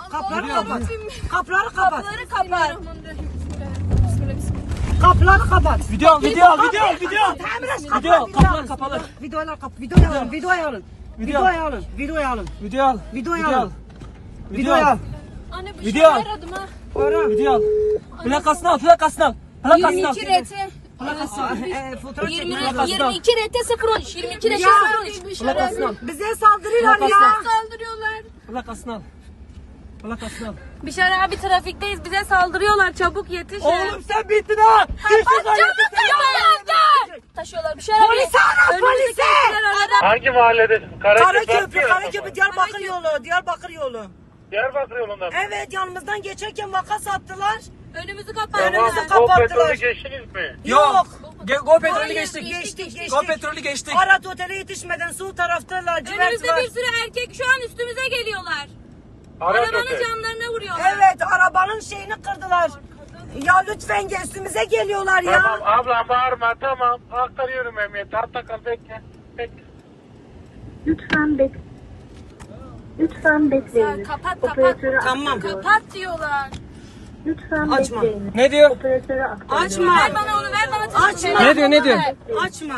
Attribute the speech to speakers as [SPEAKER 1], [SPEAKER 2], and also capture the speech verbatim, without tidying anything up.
[SPEAKER 1] Kapıları kapat. Kapıları kapat.
[SPEAKER 2] Kapıları kapat.
[SPEAKER 1] Kapıları kapat.
[SPEAKER 3] Video, video, video, video. Video, kapılar kapalı.
[SPEAKER 1] Videolar kapat. Videoyu alın. Videoyu alın.
[SPEAKER 3] Video.
[SPEAKER 1] Videoyu alın. Videoyu alın.
[SPEAKER 3] Video al.
[SPEAKER 1] Videoyu
[SPEAKER 3] Video
[SPEAKER 1] al.
[SPEAKER 3] al.
[SPEAKER 1] Videoyu al.
[SPEAKER 2] Anne bir
[SPEAKER 3] Video.
[SPEAKER 2] şey aradım ha.
[SPEAKER 1] Ara.
[SPEAKER 3] Video al. Plakasını al, plakasını al. Plakasını
[SPEAKER 2] yirmi
[SPEAKER 3] al.
[SPEAKER 2] iki R T.
[SPEAKER 1] Ee, fotoğraf
[SPEAKER 2] yirmi,
[SPEAKER 1] çekmeye
[SPEAKER 2] yirmi iki R T sıfır on üç. yirmi iki R T
[SPEAKER 1] Ya.
[SPEAKER 2] sıfır on üç.
[SPEAKER 3] Plakasını al.
[SPEAKER 1] bize saldırıyorlar
[SPEAKER 3] Plakasını
[SPEAKER 1] ya.
[SPEAKER 3] al.
[SPEAKER 2] Saldırıyorlar.
[SPEAKER 3] Plakasını al. Plakasını al.
[SPEAKER 2] Bişar abi trafikteyiz. Bize saldırıyorlar. Çabuk yetiş.
[SPEAKER 3] Oğlum sen bittin ha. Gir şuradan
[SPEAKER 2] Çabuk taşıyorlar. Taşıyorlar. Bişar abi.
[SPEAKER 1] Polisi ara,
[SPEAKER 2] Önümüzü
[SPEAKER 1] polisi.
[SPEAKER 2] kestiler arada.
[SPEAKER 4] Hangi mahalledesin? Karaköprü.
[SPEAKER 1] Karaköprü, Karaköprü, Diyarbakır yolu, Diyarbakır yolu.
[SPEAKER 4] Diyarbakır yolunda mı?
[SPEAKER 1] Evet, yanımızdan geçerken vaka sattılar.
[SPEAKER 2] Önümüzü
[SPEAKER 4] Tamam,
[SPEAKER 2] kapattılar.
[SPEAKER 1] Önümüzü
[SPEAKER 4] Go
[SPEAKER 1] kapattılar.
[SPEAKER 4] petrolü geçtiniz mi?
[SPEAKER 1] Yok.
[SPEAKER 3] Ge- Go petrolü
[SPEAKER 2] Hayır,
[SPEAKER 3] geçtik.
[SPEAKER 1] Geçtik, geçtik.
[SPEAKER 3] Go petrolü geçtik.
[SPEAKER 1] Arat otele yetişmeden sol tarafta lacivert
[SPEAKER 2] Önümüzde
[SPEAKER 1] var.
[SPEAKER 2] bir sürü erkek şu an üstümüze geliyorlar.
[SPEAKER 4] Arat
[SPEAKER 2] Arabanın
[SPEAKER 4] otel.
[SPEAKER 2] camlarına vuruyorlar.
[SPEAKER 1] Evet, arabanın şeyini kırdılar. Ya lütfen gel, üstümüze geliyorlar ya.
[SPEAKER 4] Tamam ablam bağırma, tamam. Aktarıyorum emniyete. Hatta kal, bekle. Bekle.
[SPEAKER 5] Lütfen bek Lütfen bekleyin.
[SPEAKER 2] Kapat,
[SPEAKER 5] Operatörü
[SPEAKER 2] kapat.
[SPEAKER 1] Tamam.
[SPEAKER 5] aktarıyorum.
[SPEAKER 2] Kapat diyorlar.
[SPEAKER 5] Lütfen
[SPEAKER 1] Açma.
[SPEAKER 5] bekleyin.
[SPEAKER 3] Ne diyor?
[SPEAKER 5] Operatörü aktarıyorum.
[SPEAKER 1] Açma.
[SPEAKER 2] Ver bana onu, ver bana.
[SPEAKER 1] Açma.
[SPEAKER 3] Ne diyor, ne diyor?
[SPEAKER 1] Açma.